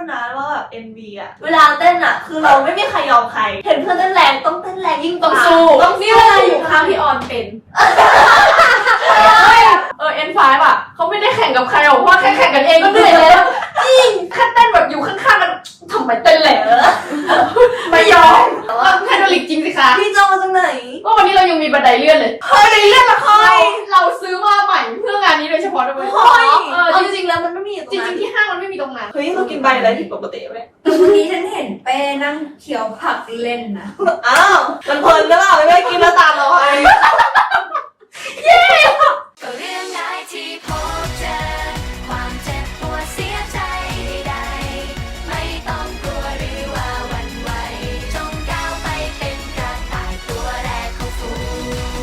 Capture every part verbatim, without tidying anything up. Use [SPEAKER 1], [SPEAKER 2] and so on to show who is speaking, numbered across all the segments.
[SPEAKER 1] นะว่าแบบ เอ็ม วี อ่ะเวลาเต้นอ่ะคือเราไม่มีใครยอมใครเห็นเพื่อนเต้นแรงต้องเต้นแรงยิ่ง
[SPEAKER 2] ต้องสู้
[SPEAKER 1] ต้อง
[SPEAKER 2] นี่เวลาอยู่ข้างพี่ออนเป็นเออ เอ็น ไฟว์ อ่ะเขาไม่ได้แข่งกับใครหรอกเพราะว่าแค่แข่งกันเองก็เหนื่อยแล้วจริงแค่เต้นแบบอยู่ข้างๆกันทำไมเต้นแหลกไม่ยอมแพนโดลิกจริงสิคะ
[SPEAKER 1] พี่จองมาจากไหน
[SPEAKER 2] ก็วันนี้เรายังมีบันไดเลื่อนเลย
[SPEAKER 1] เฮ้ยเลื่อนละคร
[SPEAKER 2] เราซื้อมาใหม่เพื่องานนี้โดยเฉพาะด้วย
[SPEAKER 1] เฮ้ย
[SPEAKER 2] เออ
[SPEAKER 1] เอาจริงๆแล้วมันไม่มี
[SPEAKER 2] จริงๆที่ห้างมันไม่มีตรงนั้น
[SPEAKER 1] เฮ้ยเรากินใบอะไรผิดปกติไหม
[SPEAKER 3] วันนี้ฉันเห็นเป้นั่งเคี้ยวผักเล่นนะ
[SPEAKER 1] อ้าวมันเพลินหรือเปล่าไม่ได้กินแล้วตามเราไป
[SPEAKER 3] เย้ก็เรื่องได้ที่พบเจอความเจ็บปวดเสียใจใดๆไม่ต้องกลัวหรือว่าหวั่นไหวจงก้าวไปเป็นกระต่ายตัวแรกของฝูง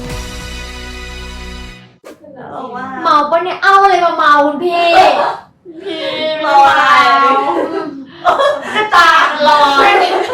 [SPEAKER 2] เมาปะเนี่ยเอาอะไรมาเมาคุณพี่พี่
[SPEAKER 1] เมาอะไรตาลอย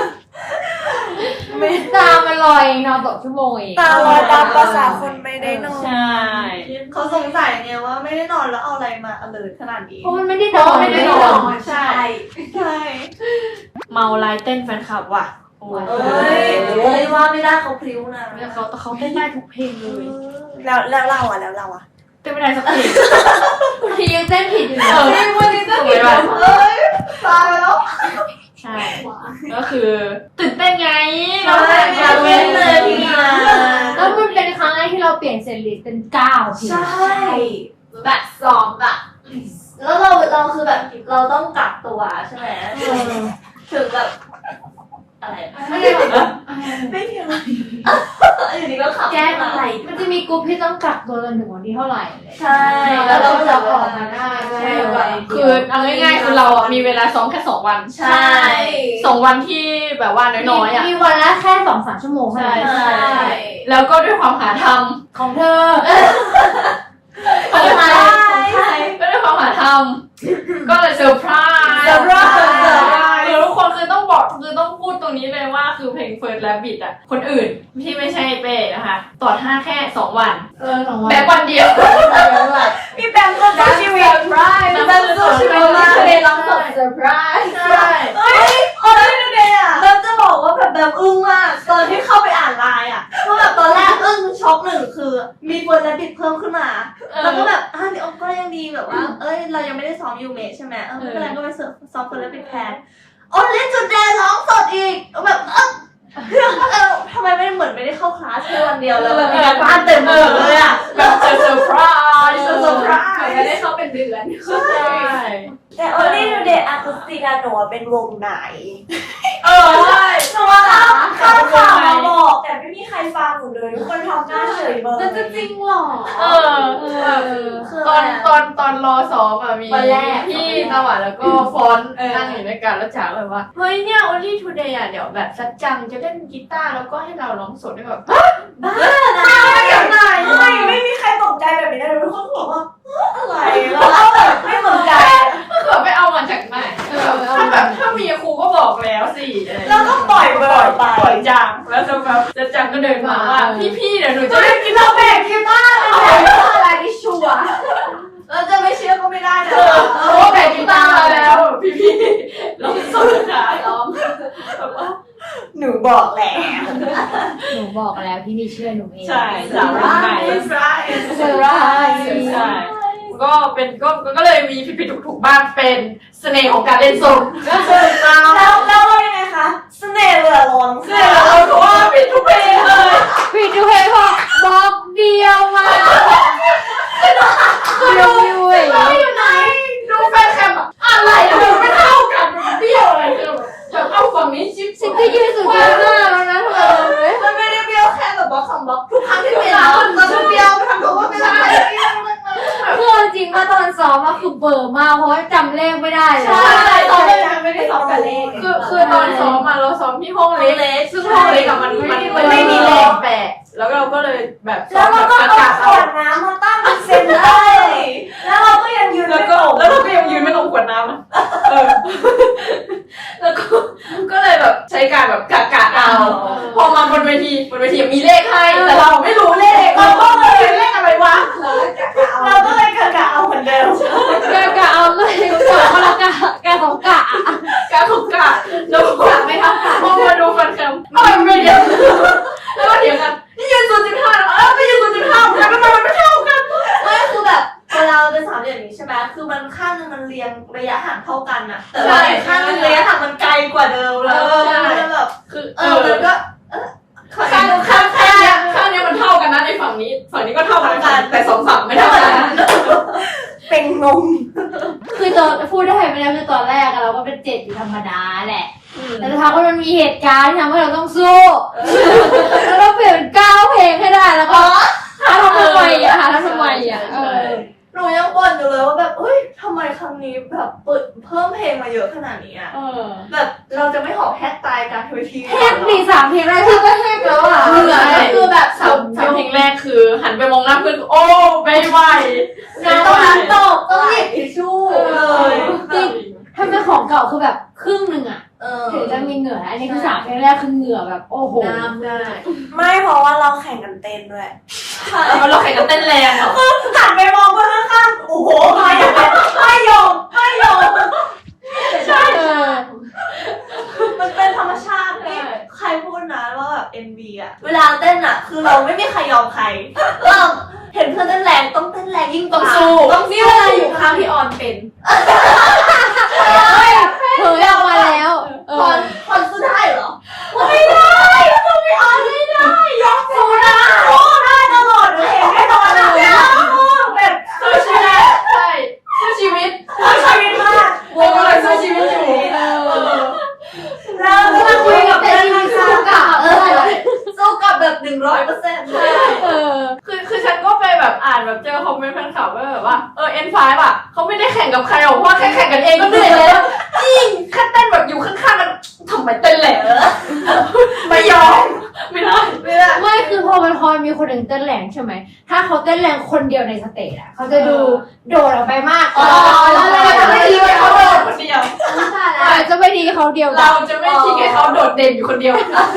[SPEAKER 2] ไม่ตามันลอยนอนตกชั่วโมงเอง
[SPEAKER 1] ตาลอยตามภาษาคนไม่ได้นอนใช่เขาสงสัยไงว่าไม่ได้นอนแล้วเอาอะไรมาอเลิร์ขนาดนี้
[SPEAKER 2] เพราะมันไม่ได้นอนไม่ได้นอน
[SPEAKER 1] ใช่ใช่
[SPEAKER 2] เมาลายเต้นแฟนคลับว่ะ
[SPEAKER 1] โอ้ยเอ้ยว่าไม่ได้เขาพริ้วนะ
[SPEAKER 2] เขาเขาเต้นได้ทุกเพลงเลย
[SPEAKER 1] แล้วแล้วเราอ่ะแล้วเราอ่ะ
[SPEAKER 2] เต้นไม่ได้สักเพลงทียังเต้นผิดอยู่เลย
[SPEAKER 1] วันนี้เต้นผิดเอ้ยตายแล้ว
[SPEAKER 2] ใช่ก็คือตื่นเต้นไง
[SPEAKER 1] เราแต่งงานเล่นเลยพี่นา
[SPEAKER 2] แล้วมันเป็นครั้งแรกที่เราเปลี่ยนเซตลิสต์เป็นเก้าเพลง
[SPEAKER 1] ใช่
[SPEAKER 2] แบบซ้อมแบบ
[SPEAKER 1] แล้วเราเราคือแบบเราต้องกักตัวใช่ไหมถึงแบบอะไรไม่ได้แบบไม่มีอะไรอยู่ดีก็ขับ
[SPEAKER 2] แก้อะไรมันจะมีกลุ่มที่ต้องกักตัวจนถึงวันที่เท่าไหร่
[SPEAKER 1] ใช่
[SPEAKER 2] แล้วเราจะออกมาได้ใช่คือเอาง่ายๆคือเรามีเวลาซ้อมแค่สองวัน
[SPEAKER 1] ใช่
[SPEAKER 2] สองวันที่แบบว่าน้อยๆอ่ะ
[SPEAKER 3] มีวันละแค่สองสามชั่วโมง
[SPEAKER 2] ใช่ใช่แล้วก็ด้วยความหาทำ
[SPEAKER 3] ของเธอ
[SPEAKER 2] ของใครก็ด้วยความหาทำก็เลยเซอร์ไพรส์
[SPEAKER 1] เซอร์ไพรส์
[SPEAKER 2] คือทุกคนคือต้องบอกคือต้องพูดตรงนี้เลยว่าคือเพลง First Rabbit อ่ะคนอื่นที่ไม่ใช่เป้นะคะต่อท่าแค่สองวัน
[SPEAKER 3] เออสองวัน
[SPEAKER 2] แบบวันเดียว
[SPEAKER 1] พี่แบมก็สู้ชีวิตพี่แบมสู้ชีวิตมาก
[SPEAKER 3] เลยร้องสดเซอร์ไพรส์
[SPEAKER 1] ใช่เฮ้ยโอ้ยดูเดย์อ่ะแบมจะบอกว่าแบบแบมอึ้งมากตอนที่เข้าไปอ่านไลน์อ่ะเพราะแบบตอนแรกอึ้งช็อกหนึ่งคือมีเฟิร์สและบิดเพิ่มขึ้นมาแล้วก็แบบอ่ะเดี๋ยวก็ยังดีแบบว่าเอ้ยเรายังไม่ได้ซ้อมยูเมะใช่ไหมเออไม่เป็นไรก็ไปซ้อมเฟิร์สและบิดแทนโอ้เล่นจุดแดนร้องสดอีกแบบเออเออทำไมไม่เหมือนไม่ได้เข้าคลาสแค่วันเดียวแล้วแบบมีการบ้านเต็มหมดเลยอ่ะ
[SPEAKER 2] แบบเซอร์ไพรส์
[SPEAKER 1] เซอร์ไพรส์
[SPEAKER 3] ไม่ได้เข้าเป็นเดือน
[SPEAKER 2] ใช่
[SPEAKER 1] แต่ Only Today Acoustic หนูเป็นวงไหน
[SPEAKER 2] เออใช่
[SPEAKER 1] หนูว่าข้าวข่าวมาบอกแต่ไม่มีใครฟังหนูเลยทุกคนทำหน้าเฉยเบอร์
[SPEAKER 3] มันจะจริงหรอ
[SPEAKER 2] เออตอนตอนตอนรอซ้อมอะมีพี่ตะวันแล้วก็ฟอนนั่งอยู่ด้วยกันแล้วจ๋าแบบว่าเฮ้ยเนี่ย Only Today อะเดี๋ยวแบบสัจจังจะเล่นกีตาร์แล้วก็ให้เราร้องสดด้วยแบบ
[SPEAKER 1] บ้านะอย่างไรไม่ไม่มีใครตกใจแบบนี้เลยทุกคนบอกว่าอะไรเราแบบไม่สนใจ
[SPEAKER 2] เผื่อไปเอามาจากไหนถ้าแบบถ้ามีครูก็บอกแล้วสิ
[SPEAKER 1] เราก็ปล่อยปล่อยไป
[SPEAKER 2] ปล่อยจังแล้วสักพักสัจจังก็เดินมาว่าพี่ๆเดี๋ยวหนูจะ
[SPEAKER 1] เล่นกีตาร์แบกกีตาร์
[SPEAKER 3] อะไรที่ชัวร์
[SPEAKER 1] เราจะไม่เชื่อก็ไม่ได้นะ
[SPEAKER 2] โอ้แบกกีตาร์แล้วพี่ๆร้องสดค่ะร้อง
[SPEAKER 1] หนูบอกแล้ว
[SPEAKER 3] หนูบอกแล้วพี่นี่เชื่อหนูเอง
[SPEAKER 2] ใช่สาวรุ่นใหม่
[SPEAKER 1] ใช่
[SPEAKER 3] ใช่
[SPEAKER 2] ใช่ก็เป็นก็ก็เลยมีผิดๆถูกๆบ้างเป็นเสน่ห์ของการเล่นสด
[SPEAKER 1] แล้วแล้วว่ายังไงคะเสน่ห์เหลือล้น
[SPEAKER 2] เสน่ห์เหลือล้นเพราะว่าผิดทุกเพลงเลย
[SPEAKER 3] ผิดทุกเพลงพอบอกเดียวมา
[SPEAKER 2] เดียวเลยอยู่ไหนดูแฟนคลับอะไรดูไม่เท่ากันเบี้ยวอะไรคือแบบเอาฝั่งนี้ชิป
[SPEAKER 3] ฉันก็ยืนสุดยอดมากแล้วนะเธอ
[SPEAKER 1] มันไม่ได้เบี้ยวแค่แบบบล็อกสองบล็อกทุกครั้งที่เปลี่ยนมันจะเบี้ยวไปทำตัวว่าเป็นอะไร
[SPEAKER 3] คือจริงว่าตอนซ้อมอะคือเบอร์มากเพราะจำเลขไม่ได้เลย
[SPEAKER 1] ใช่ตอนแรกไม่ได้ซ้อมกับเลข
[SPEAKER 2] คือคือตอนซ้อมมาเราซ้อมที่ห้องเล็กซึ่งห้องเล็กกับมันมันมันไม่มีเลขแปะแล้วเราก็เลยแบบ
[SPEAKER 1] แล้วเราก็เอาขวดน้ำมาตั้งเป็นเซนเตอร์แล้วเราก็ยังยืน
[SPEAKER 2] แล้วก็แล้วเราก็ยังยืนไม่ตรงขวดน้ำเออแล้วก็ก็เลยแบบใช้การแบบกะกะเอาพอมาบนเวทีบนเวทีมีเลขให้แต่เราไม่รู้เลขเราก็เลยเลขอะไรวะ
[SPEAKER 1] เราก็เลยกะกะเอาเหมือนเดิม
[SPEAKER 3] กะกะเอาเลยกะคนละกะกะของกะ
[SPEAKER 1] กันอะแต่ว่าอีกข้างหนึงระยะทางมันไกลกว่าเดิมแล้วมันแบบ
[SPEAKER 2] คือ
[SPEAKER 1] เออมันก็เออ
[SPEAKER 2] ข้างข้างข้างเนี้ยข้างเนี้ยมันเท่ากันนะในฝั่งนี้ฝั่งนี้ก็เท่ากันแต่สองฝั่งไม่เท่ากัน
[SPEAKER 1] เป็นงง
[SPEAKER 4] คือตอนพูดได้ไม่ได้คือตอนแรกอะเราก็เป็นเจ็ดอยู่ธรรมดาแหละแต่ทางว่ามันมีเหตุการณ์ที่ทำให้เราต้องสู้แล้วเราเปลี่ยนเป็นเก้าเพลงให้ได้แล้วก็หาทำไมอะหาทำไมอะเออ
[SPEAKER 1] หนูยังบ่นอยู่เลยว่าแบบเฮ้ยทำไมครั้งนี้แบบเปิดเพิ่มเพลงมาเยอะขนาดนี้อะ
[SPEAKER 4] เออ
[SPEAKER 1] แบบเราจะไม่หอบแฮกตายการเวที
[SPEAKER 4] แฮกดีสามเพลงแรกที่ก็แฮกแล้วอ่ะ
[SPEAKER 2] เหนื่อยคือแบบสามสามเพลงแรกคือหันไปมองหน้าเพื่อนโอ้ไม่ไหว
[SPEAKER 1] น้ำต้องน้ำตกต้องหยิบทิชชู่เลย
[SPEAKER 4] ถ้าเป็นของเก่าคือแบบครึ่งหนึ่งอ่ะ
[SPEAKER 1] เออ
[SPEAKER 4] ถึงจะมีเหงื่ออันนี้คือสามเพลงแรกคือเหงื่อแบบโอ้โห
[SPEAKER 2] น้ำได้
[SPEAKER 5] ไม่เพราะว่าเราแข่งกันเต้นด้วย
[SPEAKER 2] เราแข่งกันเต้นแรงอ่ะ
[SPEAKER 5] หันไปมองเพื่อนข้างๆโอ้โหไม่ยอมไม่ยอมไม่ยอม
[SPEAKER 4] ใช่เออ
[SPEAKER 1] มันเป็นธรรมชาตินี่ใครพูดนะว่าแบบ เอ็ม วี อะเวลาเต้นอะคือเราไม่มีใครยอมใครเราเห็นเพื่อนเต้นแรงต้องเต้นแรงยิ่งก
[SPEAKER 2] ต้อ
[SPEAKER 1] ว่าง
[SPEAKER 2] สู้
[SPEAKER 1] ต้อง
[SPEAKER 2] นี่
[SPEAKER 1] สู้
[SPEAKER 2] เวลาอยู่ข้างพี่ออนเป็น
[SPEAKER 4] เผยออกมาแล้วเอ
[SPEAKER 1] คอ
[SPEAKER 4] อน
[SPEAKER 1] คอนสู้ได้เหรอไม่ได้สู้ไม่เอาไม่ได้ยกสู้ได้สู้ได้ตลอดเลยแน่นอนอะแบบ
[SPEAKER 2] สู้ชีวิตใช่สู้ชีวิต
[SPEAKER 1] สู้ชีวิตมาก
[SPEAKER 2] วงอะไรสู้ชีวิตอยู่
[SPEAKER 4] เออ
[SPEAKER 1] เราจะคุยกับ
[SPEAKER 4] แต่
[SPEAKER 1] เพื่อน
[SPEAKER 4] จริงๆสู้
[SPEAKER 1] ข้าง
[SPEAKER 4] กับเออ
[SPEAKER 1] ๆสู้กับแบบหนึ่งร้อยเปอร์เซ็นต์
[SPEAKER 4] เออ
[SPEAKER 2] คือคือฉันก็ไปแบบอ่านแบบเจอคอมเมนต์แฟนคลับว่าแบบว่าเออ เอ็น ไฟว์ อ่ะเขาไม่ได้แข่งกับใครหรอกเพราะว่าแค่แข่งกันเองก็เหนื่อยแล้วจริงแค่เต้นแบบอยู่ข้างๆกันทำไมเต้นแหลกไม่ยอมไม่ได้
[SPEAKER 1] ไม่ได้
[SPEAKER 4] ไม่คือพอมันพอมีคนหนึ่งเต้นแรงใช่ไหมถ้าเขาเต้นแรงคนเดียวในสเตจอะเขาจะดูโดดออกไปมาก
[SPEAKER 2] อ๋อ
[SPEAKER 4] แล้
[SPEAKER 2] เรา
[SPEAKER 4] ว
[SPEAKER 2] จะไม่ทิ้งให้เขาโดดคนเดียว
[SPEAKER 4] อาจจะไม่ดีเขาเดียวกั
[SPEAKER 2] เรา
[SPEAKER 4] น
[SPEAKER 2] จะไม่ทิ้งให้เขาโดดเด่นอยู่คนเดียว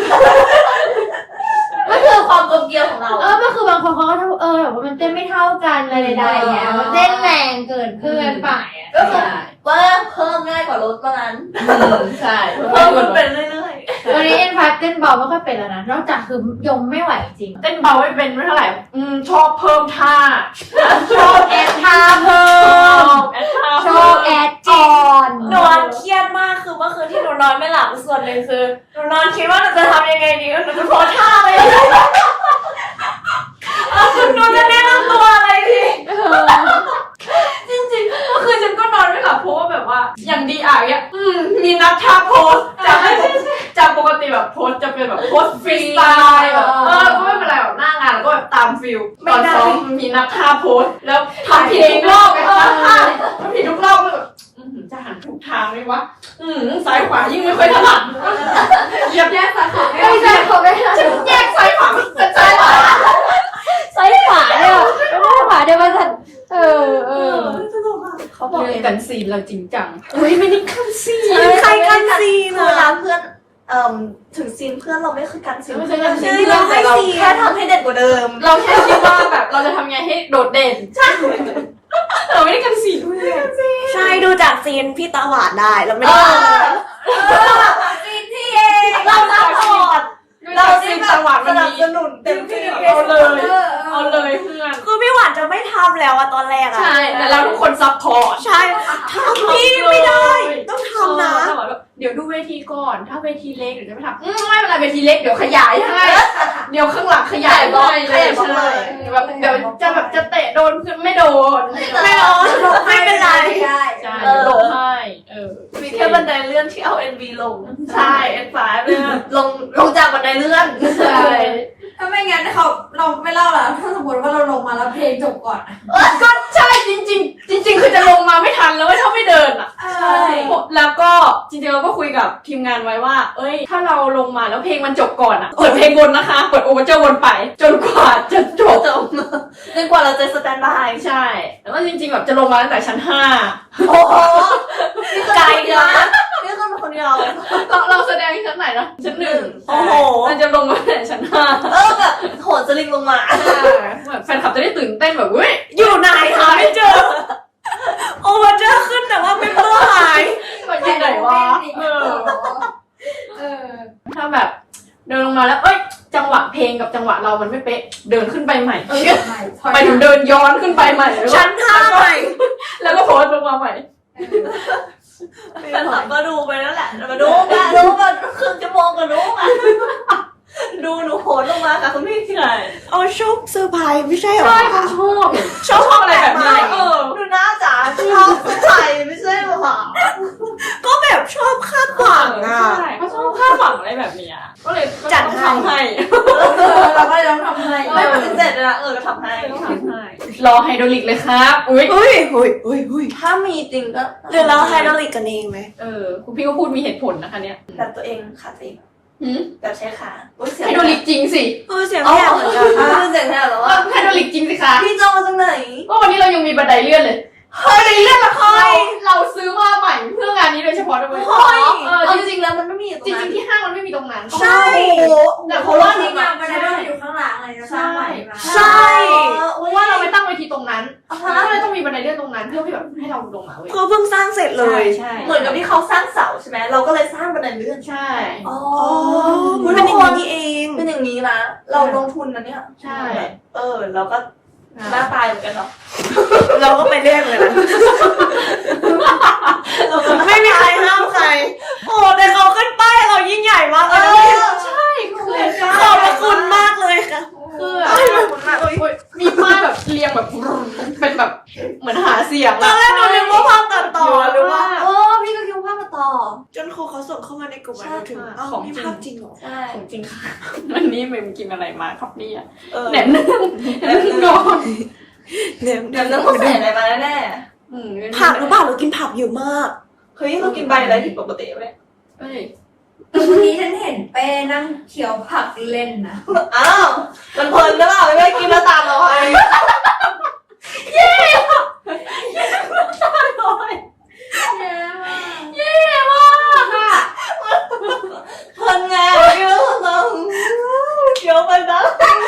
[SPEAKER 1] ก็คือความกลมเกลียวของเรา
[SPEAKER 4] เออก็คือบางคนเขาก็เออแบบว่ามันเต้นไม่เท่ากันอะไรใดๆเงี้ยมันเต้นแรงเกินเพื่อนไปอะ
[SPEAKER 1] ก็คือว่าเพิ่มง่ายกว่าลดว่างั้น
[SPEAKER 2] ใช่
[SPEAKER 1] เพิ่มมันเป็นเรื่อย
[SPEAKER 4] วันนี้เอ็นพาร์เต้นเบาไม่ค่อยเป็นแล้วนะนอกจากคือยมไม่ไหวจริง
[SPEAKER 2] เต้นเบาไม่เป็นไม่เท่าไหร่อืมชอบเพิ่มท่า
[SPEAKER 4] ชอบแอดท่าเพิ่
[SPEAKER 2] ช
[SPEAKER 4] ม
[SPEAKER 2] อบแอดท่า
[SPEAKER 4] ชอบแอดก่อน
[SPEAKER 5] หนูเครียดมากคือเมื่อคืนที่หนูนอนไม่หลับส่วนหนึ่งคือหนูนอนคิดว่าหนูจะทำยังไงดีหนูจะโพสท่าอะไรดีหนูจะแนะนำตัวอะไรดี
[SPEAKER 4] เออ
[SPEAKER 2] จริงๆเมื่อคืนฉันก็นอนไม่หลับเพราะว่าแบบว่าอย่างดีอ่ะเนี่ยอืมมีนัดท่าโพสจากจากปกติแบบโพสจะเป็นแบบโพสฟรีสไตล์แบบเออก็ไม่เป็นไรแบบหน้างานแล้วก็แบบตามฟิลตอนซ้อมมีนัดท่าโพสแล้วทำผิดทุกรอบไงท่าท่าทำผิดทุกรอบเลยแบบอืมจะหันถูกทางเลยวะอืมซ้ายขวายิ่งไม่ค่อยถนัดเหยียบแยกซ้ายขวา
[SPEAKER 4] ไม่ใช่เขาไม่ใช่
[SPEAKER 2] ฉันแยกซ้ายขวาเป็นซ้ายขวา
[SPEAKER 4] ซ้ายขวาเนี่ยไม่ได้ขวาเดี๋ยวมันจะเออเออ
[SPEAKER 2] เขาบอกกันซีนเราจริงจังอุ้ยไม่ได้กันซีน
[SPEAKER 5] ใครกันซีน
[SPEAKER 1] ๆเว
[SPEAKER 5] อะ
[SPEAKER 1] ลาเพื่อนเอ่อถึงซีนเพื่อนเราไม่คือการซีน
[SPEAKER 2] ไม่ใช่
[SPEAKER 1] เพื่อน
[SPEAKER 2] การซีน
[SPEAKER 1] เราให้ซีนแค่ทำให้เด็ดกว่าเดิม
[SPEAKER 2] เราแค่คิดว่าแบบเราจะทำไงให้โดดเด่นใช่เราไม่ได้กันซีนด้วย
[SPEAKER 5] ใช่ดูจากซีนพี่ตาหวานได้เราไม่
[SPEAKER 1] เอ
[SPEAKER 5] ได้
[SPEAKER 1] อซีนที่เองเราซัพพอร์ต
[SPEAKER 2] เรา
[SPEAKER 1] เรา
[SPEAKER 2] ซี
[SPEAKER 1] ซี
[SPEAKER 2] น
[SPEAKER 1] น
[SPEAKER 2] จังหวะ
[SPEAKER 1] ส
[SPEAKER 2] มัน
[SPEAKER 1] นับ
[SPEAKER 2] มี
[SPEAKER 1] สนุนเต็มที่
[SPEAKER 2] เอาเลยเอาเลยเพื่อน
[SPEAKER 5] คือพี่หวานจะไม่ทำแล้วอะตอนแรกอะ
[SPEAKER 2] ใช่แต่เราทุกคนซัพพอร์ต
[SPEAKER 5] ใช่ทำพี่ไม่ได้ ต้องทำนะ
[SPEAKER 2] เออเดี๋ยวดูเวทีก่อนถ้าเวทีเล็กเดี๋ยวจะไปทำอืมไม่เป็นไรเวทีเล็กเดี๋ยวขยายให้เดี๋ยวข้างหลังขยายให้เลยใช่แบบเดี๋ยวจะแบบจะเตะโดนเพื่อนไม่โดน
[SPEAKER 5] ไม่ร้อนไม่เป็นไร
[SPEAKER 2] ใช่ลงให้เออ
[SPEAKER 1] มีแค่บันไดเลื่อนที่เอา เอ็น บี ลง ใช่ เอ็น ไฟว์ เนี่ยลงลงจากบันไดเลื่อน
[SPEAKER 2] ใช่
[SPEAKER 6] ถ้าไม่งั้นเขาเราไม่เล่าละถ้าสมมติว่าเราลงมาแล้วเพลงจบก่อนอะ
[SPEAKER 2] ก็ใช่จริงๆ จริง ๆ คือจะลงมาไม่ทันแล้วถ้าไม่เดินอ่ะ
[SPEAKER 6] ใช่
[SPEAKER 2] แล้วก็จริงๆเราก็คุยกับทีมงานไว้ว่า เอ้ย ถ้าเราลงมาแล้วเพลงมันจบก่อนอ่ะเปิดเพลงวนนะคะเปิดโอเวอร์เจอร์วนไป จนกว่าจะจบ
[SPEAKER 1] จบจนกว่าเราจะสแตนบาย
[SPEAKER 2] ใช่แล้วก็จริงๆแบบจะลงมาตั้งแต่ชั้นห้า
[SPEAKER 1] โอ้โหนี่คือคนเดียวนะนี่คือคนเดียว
[SPEAKER 2] เราเราแสดงชั้นไหนนะชั้นหนึ่ง
[SPEAKER 1] โอ้โห
[SPEAKER 2] มันจะลงมาตั้งแต่ชั้นห้า
[SPEAKER 1] เออแบบโหนสลิงลงมา
[SPEAKER 2] แบบแฟนคลับจะได้ตื่นเต้นแบบเว้ย
[SPEAKER 5] อยู่ไหนหาไม่เจอ โอเวอร์เจอร์ขึ้นแต่ว่าไม่เบอร์หาย
[SPEAKER 2] มันอยู่ไหนวะเออ
[SPEAKER 6] เออ
[SPEAKER 2] ถ้าแบบเดินลงมาแล้วเอ้ยจังหวะเพลงกับจังหวะเรามันไม่เป๊ะเดินขึ้นไปใหม่
[SPEAKER 6] เออใช่ถอย
[SPEAKER 2] ไปถึงเดินย้อนขึ้นไปใหม่แล้วก็
[SPEAKER 5] ชั้นห้าใหม่
[SPEAKER 2] แล้วก็โพสต์ลงมาใหม่
[SPEAKER 1] แฟนคลับก็ดูไปนั่นแหละมาดูกันดูมาครึ่งชั่วโมงก็ดูอ่ะดูหนูโหนลงมาค่ะคุณพี่ที่ไหน
[SPEAKER 6] เอาชอบเซอร์ไพรส์ไม่ใช่เหรอ
[SPEAKER 2] ใช่เขาชอบชอบชอบอะไรแบบนี้เออ
[SPEAKER 1] ดูหน้าจ๋าชอบใส่ไม่ใช่หรอ
[SPEAKER 6] ก็แบบชอบคาดหวังอ่ะ
[SPEAKER 2] ใช่เขาชอบคาดหวังอะไรแบบเนี้ยก็เลย
[SPEAKER 6] จัด
[SPEAKER 2] ต้อง
[SPEAKER 6] ให้
[SPEAKER 2] ทำให้
[SPEAKER 6] เราก็เลยต้องทำให้
[SPEAKER 1] ไม่ปฏิเสธเลยนะเออก็ทำให้
[SPEAKER 2] ต้องทำให้รอไฮดรอลิกเลยครับอุ้ย
[SPEAKER 6] เฮ้ยเฮ้ยเฮ้ยเฮ้ย
[SPEAKER 1] ถ้ามีจริงก็
[SPEAKER 6] หรือเราไฮดรอลิกกันเองไหม
[SPEAKER 2] เออคุณพี่ก็พูดมีเหตุผลนะคะเนี่ย
[SPEAKER 1] แบบตัวเองขาตัวเอง
[SPEAKER 2] หืม
[SPEAKER 1] แบบใช้ขาอุ้ยเสียง
[SPEAKER 2] ไฮดรอลิกจริงสิ
[SPEAKER 6] เออเสียง
[SPEAKER 1] อ๋อ
[SPEAKER 6] แหบเหมือนกัน
[SPEAKER 1] เสียงแค่หรอ
[SPEAKER 2] เอ
[SPEAKER 1] ว่า
[SPEAKER 2] อไฮดรอลิกจริงสิคะ
[SPEAKER 1] พี่โจมาจากไหน
[SPEAKER 2] ก็วันนี้เรายังมีบันไดเลื่อนเลย
[SPEAKER 1] เฮ้ยเรื่องละคร
[SPEAKER 2] เราเราซื้อมาใหม่เพื่องานนี้โดยเฉพาะด้วย
[SPEAKER 1] เฮ้ย
[SPEAKER 2] เออ
[SPEAKER 1] เอา
[SPEAKER 2] จ
[SPEAKER 1] จ
[SPEAKER 2] ริง
[SPEAKER 1] ริงๆแล้วมันไม่มี
[SPEAKER 2] ๆจริงๆที่ห้างมันไม่มีตรงนั้น
[SPEAKER 6] ใช่
[SPEAKER 2] แต่เพราะว่า
[SPEAKER 6] นี่
[SPEAKER 2] นี่
[SPEAKER 6] ไงมันได้อยู่ข้างหลังอะไรนะสร้างใหม่มา
[SPEAKER 2] ใช่
[SPEAKER 1] เพ
[SPEAKER 2] เพราะว่าเราไปตั้งเวทีตรงนั้น
[SPEAKER 1] ราะ
[SPEAKER 2] เราก็เลยต้องมีบันไดเลื่อนตรงนั้นเพื่อที่แบบให้เราลงมาเว้ย
[SPEAKER 6] เขาเพิ่งสร้างเสร็จเลย
[SPEAKER 2] ใช่
[SPEAKER 1] เหมือนกับที่เขาสร้างเสาใช่ไหมเราก็เลยสร้างบันไดเลื่อน
[SPEAKER 2] ใช่
[SPEAKER 1] อ๋อ
[SPEAKER 6] อ๋อมันเป็นอย่างนี้นี่เอง
[SPEAKER 1] เป็นอย่างนี้นะเราลงทุนนะเนี่ย
[SPEAKER 2] ใช่
[SPEAKER 1] เออเราก็หน้าตายเหมือนกันเนาะ
[SPEAKER 6] เราก็ไปเรื่อยเลยนะ ไม่มีใครห้ามใคร โอ้แต่เขาขึ้นป้ายเรายิ่งใหญ่มากเลยนะพี่
[SPEAKER 2] ใช่คือ
[SPEAKER 6] ขอบพระคุณมากเลยค่ะ
[SPEAKER 2] คือมีป้ายแบบเรียงแบบเป็นแบบเหมือนหาเสียง
[SPEAKER 6] ตอนแรกเราคิดว่าภาพตัดต่อหรือว่า
[SPEAKER 1] โอ้พี่ก็คิดว่าภาพมาต่อ
[SPEAKER 6] จนครูเขาส่งเข้ามาในกลุ่มมาถึง
[SPEAKER 2] ใช่
[SPEAKER 6] อ้าว
[SPEAKER 2] ของ
[SPEAKER 6] นี่
[SPEAKER 2] จริง
[SPEAKER 6] ภาพจริงเหรอ
[SPEAKER 1] ใช่
[SPEAKER 2] ของจริงค่ะวันนี้เมมกินอะไรมาครับเนี่ย
[SPEAKER 1] เออ
[SPEAKER 2] แหนมเนืองแหนมเนืองก่อน
[SPEAKER 6] เนี่ย
[SPEAKER 1] เดี๋ยวต้องใส่อะไรมาแน่
[SPEAKER 2] อืม
[SPEAKER 6] ผักหรือเปล่าเรากินผักเยอะมาก
[SPEAKER 1] ๆเฮ้ยเรากินใบอะไรผิดปกติไหม
[SPEAKER 2] เอ้ย
[SPEAKER 5] วันนี้ฉันเห็นเป้นั่งเคี้ยวผักเล่นนะ
[SPEAKER 1] อ้าวมันเพลินหรือเปล่าไม่ได้กินแล้วตามเราไป
[SPEAKER 2] เย่มากค่ะ
[SPEAKER 1] เพลินไงเยอะเราเคี้ยวไปนะ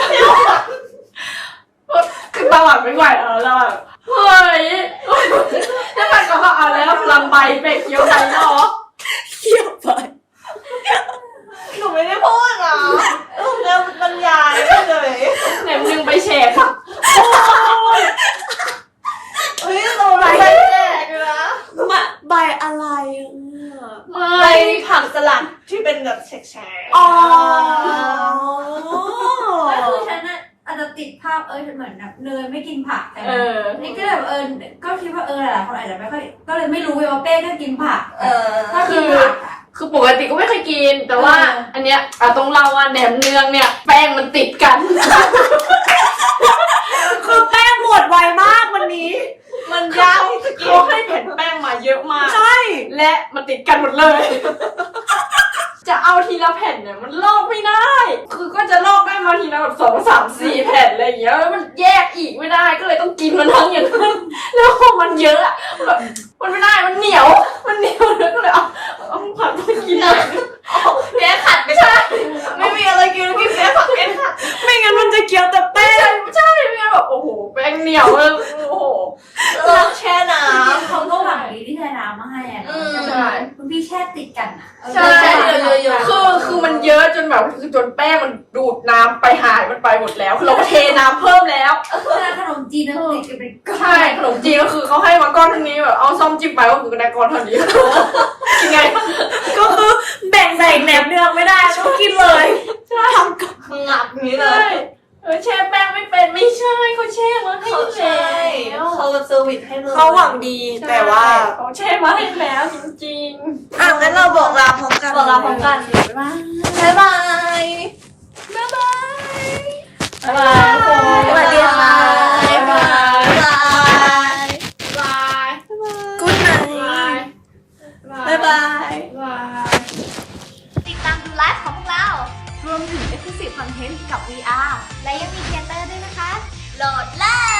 [SPEAKER 2] คือตาหวานไม่ไหวแล้วเราแบบเฮ้ยจะไปกับเขาเอาแล้วพลังใบเป็ดเคี้ยวใบเนาะ
[SPEAKER 6] เคี่ยวไป
[SPEAKER 1] หนูไม่ได้พูดอ่ะเออแล้วบรรยายเลย
[SPEAKER 2] แหนมเนืองไปแฉกค่ะ
[SPEAKER 1] เฮ้ยเราใบแจกเลยนะ
[SPEAKER 6] มาใบอะไรอ่ะ
[SPEAKER 1] ใบผักสลัดที่เป็นแบบแฉกๆ
[SPEAKER 6] อ๋อ
[SPEAKER 5] ก็คือฉันน่ะอาจจะติดภาพเออเหมือนแบบเนยไม่กินผักแต่
[SPEAKER 2] เออ
[SPEAKER 5] นี่ก็แบบเออก็คิดว่าเออหลายคนอาจจะไม่ค่อยก็เลยไม่รู้เว้ยว่าเป้ก็กินผัก
[SPEAKER 1] เออ
[SPEAKER 5] ถ้ากินผักอ่ะ
[SPEAKER 2] คือปกติก็ไม่เคยกิน แต่ว่า
[SPEAKER 5] เอออั
[SPEAKER 2] อันเนี้ยอ่ะต้องเล่าว่าแหนมเนืองเนี่ยแป้งมันติดกัน
[SPEAKER 6] คือแป้งหมดไวมากวันนี้
[SPEAKER 1] มันยากที่จะกิน
[SPEAKER 2] เขาให้แผ่นแป้งมาเยอะมาก
[SPEAKER 6] ใช่
[SPEAKER 2] และมันติดกันหมดเลย จะเอาทีละแผ่นเนี่ยมันลอกไม่ได้ คือก็จะลอกได้มาทีละแบบสองสามสี่แผ่นอะไรอย่างเงี้ยแล้วมันแยกอีกไม่ได้ก็เลยต้องกินมันทั้งอย่างนั้นแล้วพอมันเยอะอะแบบมันไม่ได้มันเหนียว มันเหนียวแล้วก็เลยเอาเอาผักมากินเลย
[SPEAKER 1] แพ้ขัดไม่ใช่ ไม่มีอะไรกินกินแพ้ผักแพ้ขัด
[SPEAKER 6] ไม่งั้นมันจะเคี้ยวแต่แป้
[SPEAKER 2] ไม่
[SPEAKER 6] ง
[SPEAKER 2] ใช่ไม่ใช่ไม่งั้นแบบโอ้โหแป้งเหนียวเลยโอ้โห
[SPEAKER 1] เราแช่น้
[SPEAKER 5] เขาก็หวังดีที่เธอน้ำมาให้อ่ะ
[SPEAKER 1] อืม
[SPEAKER 2] ใช่
[SPEAKER 5] คุณพี่แช่ติดกันอ่ะเออ
[SPEAKER 2] ใช่
[SPEAKER 1] ใช่เยอะๆ
[SPEAKER 2] คือคือมันเยอะจนแบบคือจนแป้งมันดูดน้ำไปหายมันไปหมดแล้วคือเราก็เทน้ำเพิ่มแล้ว
[SPEAKER 5] เวลาขนมจีนนะติดกันเป็นก้อน
[SPEAKER 2] ใช่ขนมจีนก็คือเขาให้มาก้อนเท่านี้แบบเอาซ่อมจิ้มไปก็คือได้ก้อนเท่านี้ยังไง
[SPEAKER 6] ก็คือแบ่งใส่แหนมเนืองไม่ได้ต้องกินเลยทำกับ
[SPEAKER 1] ำงับอย่างนี้เล
[SPEAKER 2] ใช่
[SPEAKER 1] ย
[SPEAKER 2] เออแช่แป้งไม่เป็นไม่ใช่เขาแช่มาให้
[SPEAKER 1] เขาแช่
[SPEAKER 2] แล้ว
[SPEAKER 1] เขาแบบเซอร์วิสให้เลย
[SPEAKER 6] เขาหวังดีแต่ว่า
[SPEAKER 2] เขาแช่มาให้แล้วจริง
[SPEAKER 6] อ่ะงั้นเราบอกลาพร้อมกัน
[SPEAKER 1] บอกลาพร้อมกัน
[SPEAKER 2] ๆ
[SPEAKER 1] บ๊ายบาย
[SPEAKER 2] บ๊ายบาย
[SPEAKER 1] บ๊ายบาย
[SPEAKER 6] สวัสดีค่ะ
[SPEAKER 1] บ๊ายบาย
[SPEAKER 2] บาย
[SPEAKER 6] กู๊ดไน
[SPEAKER 2] บาย
[SPEAKER 1] บ๊ายบาย
[SPEAKER 2] บาย
[SPEAKER 3] ติดตามดูไลฟ์ของพวกเรา รวมถึง Exclusive Content กับ วี อาร์ และยังมีเทเตอร์ด้วยนะคะ โหลดเลย